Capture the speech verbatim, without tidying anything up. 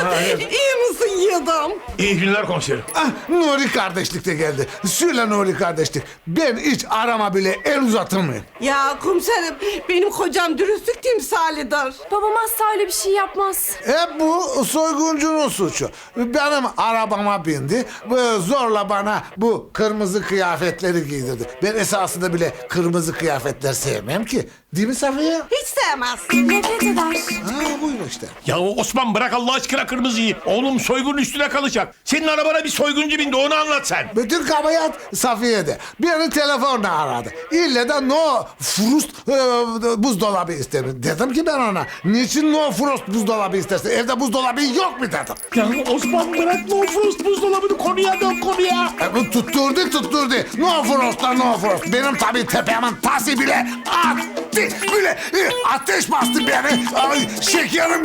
İyi misin yiğidim? İyi günler komiserim. Ah, Nuri kardeşlik de geldi. Söyle Nuri kardeşlik. Ben hiç arama bile el uzatır mıyım? Ya komiserim benim kocam dürüstlük timsalidir. Babam asla öyle bir şey yapmaz. Hep bu soyguncunun suçu. Benim arabama bindi. Ve zorla bana bu kırmızı kıyafetleri giydirdi. Ben esasında bile kırmızı kıyafetler sevmem ki. Değil mi Safiye? Hiç sevmez. Nefret eder. Ha buyur işte. Ya Osman bırak Allah aşkına kırmızıyı. Oğlum soygunun üstüne kalacak. Senin arabana bir soyguncu bindi onu anlat sen. Bütün kabahat Safiye'de. Beni telefonla aradı. İlle de no frost e, buzdolabı istedim. Dedim ki ben ona. Niçin no frost buzdolabı istersin? Evde buzdolabı yok mu dedim. Ya Osman bırak no frost buzdolabını konuya dön konuya. E, bu tutturdu tutturdu. No frost'ta no frost. Benim tabii tepemin tası bile attı. Böyle e, ateş bastı beni. Ay, şekerim